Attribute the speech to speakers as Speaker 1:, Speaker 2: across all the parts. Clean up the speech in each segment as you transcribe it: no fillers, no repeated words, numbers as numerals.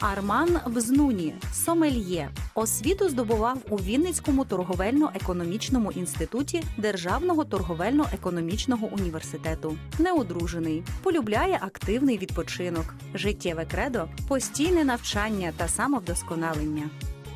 Speaker 1: Арман Бзнуні – сомельє. Освіту здобував у Вінницькому торговельно-економічному інституті Державного торговельно-економічного університету. Неодружений. Полюбляє активний відпочинок. Життєве кредо – постійне навчання та самовдосконалення.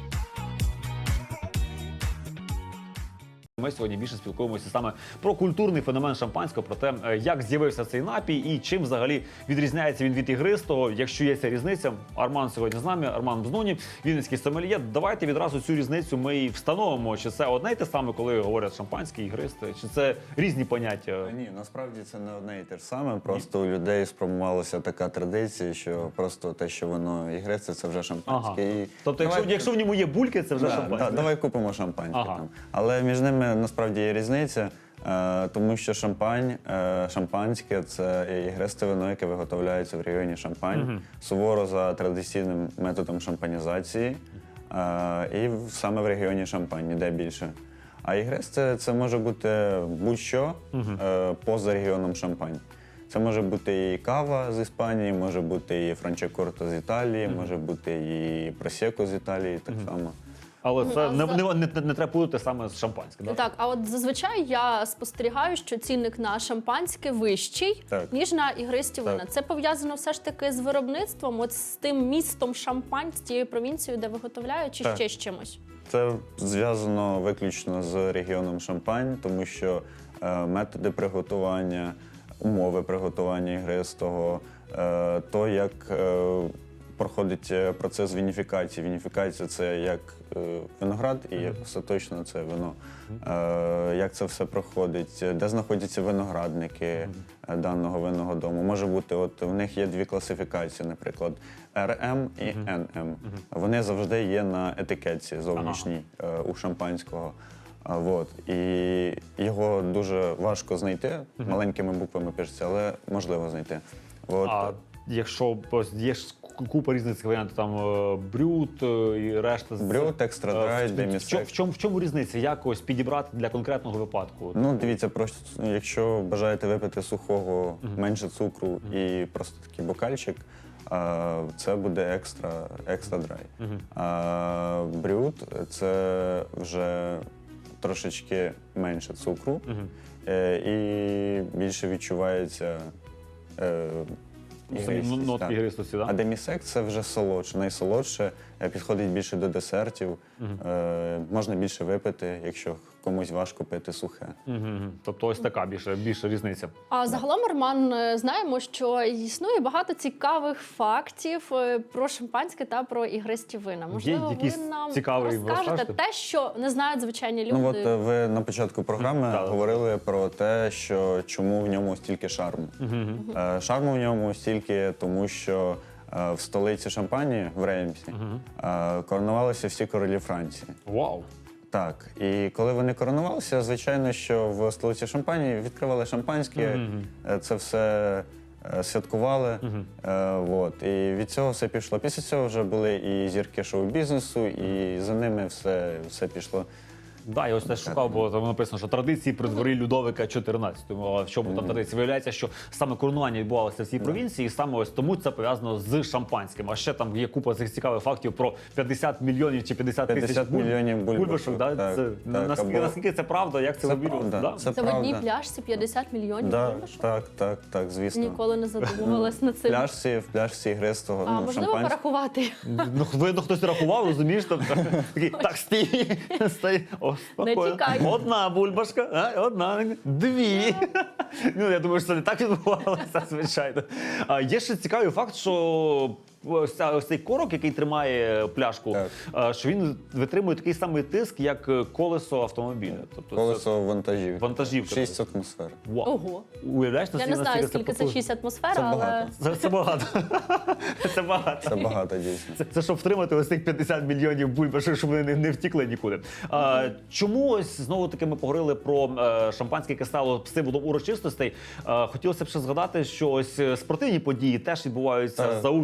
Speaker 2: Ми сьогодні більше спілкуємося саме про культурний феномен шампанського, про те, як з'явився цей напій і чим взагалі відрізняється він від ігристого, якщо є ця різниця. Арман сьогодні з нами, Арман Бзнуні, вінницький сомельє. Давайте відразу цю різницю ми і встановимо. Чи це одне й те саме, коли говорять шампанське, ігристе, чи це різні поняття?
Speaker 3: Ні, насправді це не одне і те ж саме. Просто у людей сформувалася така традиція, що просто те, що воно ігристе, це вже шампанське.
Speaker 2: Ага.
Speaker 3: І
Speaker 2: Тобто, якщо в ньому є бульки, це вже шампанське?
Speaker 3: давай купимо шампанське.
Speaker 2: Ага.
Speaker 3: Там. Але між ними насправді є різниця, тому що шампанське – це ігристе вино, яке виготовляється в регіоні Шампань, суворо за традиційним методом шампанізації, і саме в регіоні Шампань, ніде більше. А ігристе – це може бути будь-що поза регіоном Шампань. Це може бути і кава з Іспанії, може бути і франчакорто з Італії, може бути і просеко з Італії так само.
Speaker 2: Але це не треба плутати саме з шампанським, так?
Speaker 4: Так, а от зазвичай я спостерігаю, що цінник на шампанське вищий, ніж на ігристі вина. Це пов'язано все ж таки з виробництвом, от з тим містом Шампань, з тією провінцією, де виготовляють, чи ще з чимось?
Speaker 3: Це зв'язано виключно з регіоном Шампань, тому що методи приготування, умови приготування ігристого, то, як проходить процес вініфікації. Вініфікація – це як виноград і остаточно це вино. Як це все проходить, де знаходяться виноградники даного винного дому. Може бути, от в них є дві класифікації, наприклад, РМ і НМ. Вони завжди є на етикетці зовнішній у шампанського. І його дуже важко знайти, маленькими буквами пишеться, але можливо знайти.
Speaker 2: А якщо є ж купа різних варіантів, там брют і решта.
Speaker 3: Брют, екстра драй, демісек.
Speaker 2: В чому різниця? Як ось підібрати для конкретного випадку?
Speaker 3: Ну, дивіться, просто якщо бажаєте випити сухого, менше цукру і просто такий бокальчик, це буде екстра драй. А брют – це вже трошечки менше цукру і більше відчувається
Speaker 2: нотки ігристості, так?
Speaker 3: А демісек – це вже солодше, найсолодше, підходить більше до десертів, можна більше випити, якщо комусь важко пити сухе.
Speaker 2: Тобто ось така більша різниця.
Speaker 4: А загалом, Арман, знаємо, що існує багато цікавих фактів про шампанське та про ігристі вина. Можливо, ви нам розкажете те, що не знають звичайні люди?
Speaker 3: Ну от ви на початку програми говорили про те, що чому в ньому стільки шарму. Шарму в ньому стільки, тому що в столиці Шампанії, в Реймсі, коронувалися всі королі Франції.
Speaker 2: Вау!
Speaker 3: Так, і коли вони коронувалися, звичайно, що в столиці Шампанії відкривали шампанське, це все святкували, і від цього все пішло. Після цього вже були і зірки шоу-бізнесу, і за ними все пішло.
Speaker 2: Так, я ось теж шукав, бо там написано, що традиції при дворі Людовика XIV. А в чому там традиції? Виявляється, що саме коронування відбувалося в цій провінції, і саме ось тому це пов'язано з шампанським. А ще там є купа цих цікавих фактів про 50 мільйонів чи 50 тисяч бульбашок. Наскільки це правда, як це вимірювати?
Speaker 4: Це в одній пляшці 50 мільйонів бульбашок?
Speaker 3: Так, звісно.
Speaker 4: Ніколи не задумувалась над цим.
Speaker 3: В пляшці ігристого
Speaker 4: шампанського. А можливо порахувати?
Speaker 2: Видно, хтось рахував, розумієш? Так, стій.
Speaker 4: Не тікай.
Speaker 2: Одна бульбашка, одна, дві. Я думаю, що це не так відбувалося, звичайно. Є ще цікавий факт, що ось цей корок, який тримає пляшку, що він витримує такий самий тиск, як колесо автомобіля.
Speaker 3: Колесо
Speaker 2: вантажівка.
Speaker 3: 6 атмосфер.
Speaker 4: Ого.
Speaker 2: Уявляєш,
Speaker 4: я не знаю, скільки це 6 атмосфер, але...
Speaker 2: Це багато. Це багато.
Speaker 3: Це багато, дійсно.
Speaker 2: Це щоб втримати ось цих 50 мільйонів бульбашок, щоб вони не втікли нікуди. Чому ось, знову-таки, ми поговорили про шампанське, яке стало символом урочистостей. Хотілося б ще згадати, що ось спортивні події теж відбуваються за участю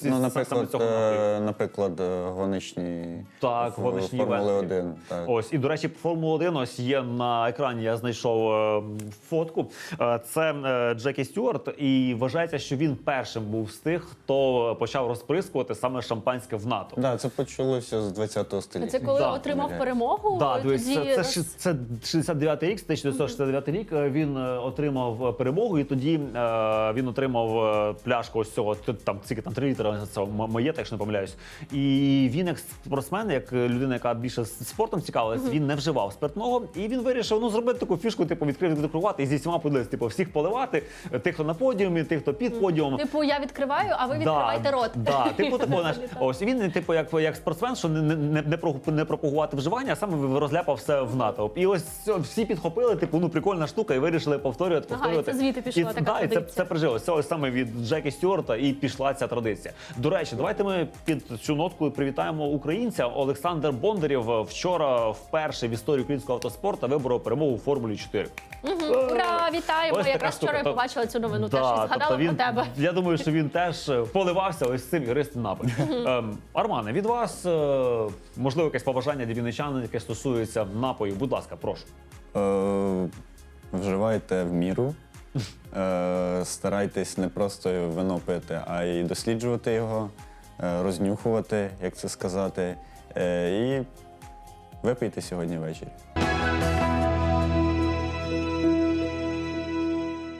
Speaker 3: Ну,
Speaker 2: саме цього напрямку.
Speaker 3: наприклад, гоночні
Speaker 2: Так, гоночні
Speaker 3: Формули
Speaker 2: івенти.
Speaker 3: 1. Так.
Speaker 2: Ось, і, до речі, Формула 1 ось є на екрані, я знайшов фотку. Це Джекі Стюарт, і вважається, що він першим був з тих, хто почав розприскувати саме шампанське в НАТО.
Speaker 3: Да, це почалося з 20-го століття.
Speaker 4: Це коли
Speaker 2: Да.
Speaker 4: отримав перемогу?
Speaker 2: Так,
Speaker 4: тоді
Speaker 2: це 69-й рік, 1969 рік. Він отримав перемогу, і тоді він отримав пляшку ось цього, там скільки там 3 літри, це моє, якщо не помиляюсь. І він як спортсмен, як людина, яка більше спортом цікавилась, він не вживав спиртного, і він вирішив зробити таку фішку, типу відкривати і зі всіма подивитися, типу всіх поливати, тих, хто на подіумі, тих, хто під подіумом.
Speaker 4: Типу, я відкриваю, а ви відкриваєте рот.
Speaker 2: Да, типу такого, знаєш, ось він, типу, як спортсмен, що не пропагувати вживання, а саме розляпав все в натовп. І ось всі підхопили, типу, прикольна штука, і вирішили повторювати.
Speaker 4: Ага, і це звідти пішла така
Speaker 2: да, і
Speaker 4: традиція.
Speaker 2: це прижилося. Це ось саме від Джекі Стюарта і пішла ця традиція. До речі, давайте ми під цю нотку привітаємо українця. Олександр Бондарєв вчора вперше в історії українського автоспорту виборов перемогу у Формулі 4.
Speaker 4: Ура, вітаємо!
Speaker 2: Ось така
Speaker 4: Якраз
Speaker 2: штука.
Speaker 4: вчора я побачила цю новину, теж і
Speaker 2: Да,
Speaker 4: згадала
Speaker 2: тобто
Speaker 4: про тебе.
Speaker 2: Я думаю, що він теж поливався ось цим ігристим напоєм. Армане, від вас, можливо, якесь побажання для вінничан, яке стосується напою. Будь ласка, прошу.
Speaker 3: Вживайте в міру. Старайтесь не просто вино пити, а й досліджувати його, рознюхувати, як це сказати. І випийте сьогодні ввечері.